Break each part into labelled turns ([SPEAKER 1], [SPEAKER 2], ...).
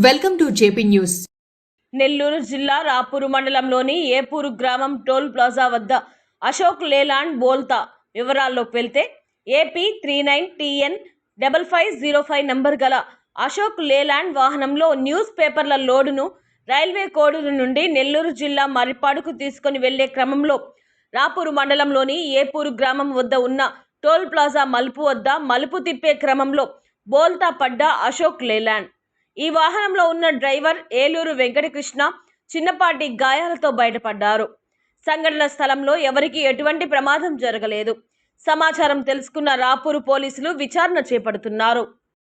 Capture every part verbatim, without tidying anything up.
[SPEAKER 1] Welcome to JP news.
[SPEAKER 2] Nellore జిల్లా రాపూరు మండలంలోని ఏపూరు గ్రామం టోల్ ప్లాజా వద్ద అశోక్ లేలాండ్ బోల్తా వివరాల్లోకి వెళ్తే AP three nine TN double five zero five number గల అశోక్ లేలాండ్ వాహనంలో న్యూస్ పేపర్ల లోడును రైల్వే కోడూరు నుండి నెల్లూరు జిల్లా మరిపాడుకు తీసుకుని వెళ్లే క్రమంలో రాపూరు మండలంలోని ఏపూరు గ్రామం వద్ద ఉన్న టోల్ ప్లాజా మలుపు వద్ద మలుపు తిప్పే క్రమంలో బోల్తా పడ్డ అశోక్ లేలాండ్. ఈ వాహనంలో ఉన్న డ్రైవర్ ఏలూరు వెంకటకృష్ణ చిన్నపాటి గాయాలతో బయటపడ్డారు. సంఘటన స్థలంలో ఎవరికీ ఎటువంటి ప్రమాదం జరగలేదు. సమాచారం తెలుసుకున్న రాపూరు పోలీసులు విచారణ చేపడుతున్నారు.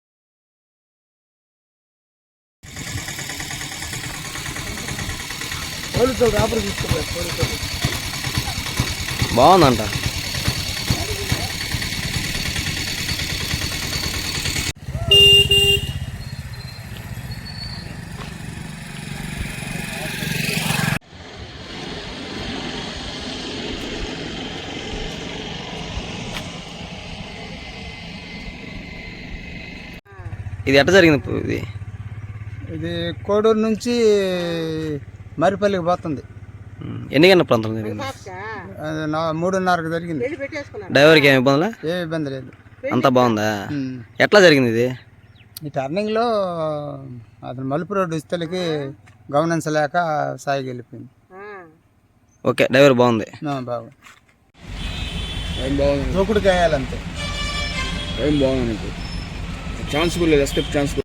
[SPEAKER 3] బాగుందంట. ఇది ఎట్ట జరిగింది? ఇది
[SPEAKER 4] ఇది కోడూరు నుంచి మరిపల్లికి పోతుంది.
[SPEAKER 3] ఎన్ని గంటల ప్రాంతం జరిగింది?
[SPEAKER 4] అది నా మూడున్నరకు జరిగింది.
[SPEAKER 3] డ్రైవర్కి ఏమి ఇబ్బంది?
[SPEAKER 4] ఏ ఇబ్బంది లేదు,
[SPEAKER 3] అంతా బాగుందా? ఎట్లా జరిగింది ఇది?
[SPEAKER 4] ఈ టర్నింగ్లో అతను మలుపు రోడ్డు ఇస్తలకి గమనించలేక సాయికి వెళ్ళిపోయింది.
[SPEAKER 3] ఓకే, డ్రైవర్ బాగుంది.
[SPEAKER 4] బాగుంది, దూకుడు కాయాలంతే.
[SPEAKER 5] ఏం బాగుంది, ఛాన్స్ కూడా లేదు, ఎస్కేప్ ఛాన్స్.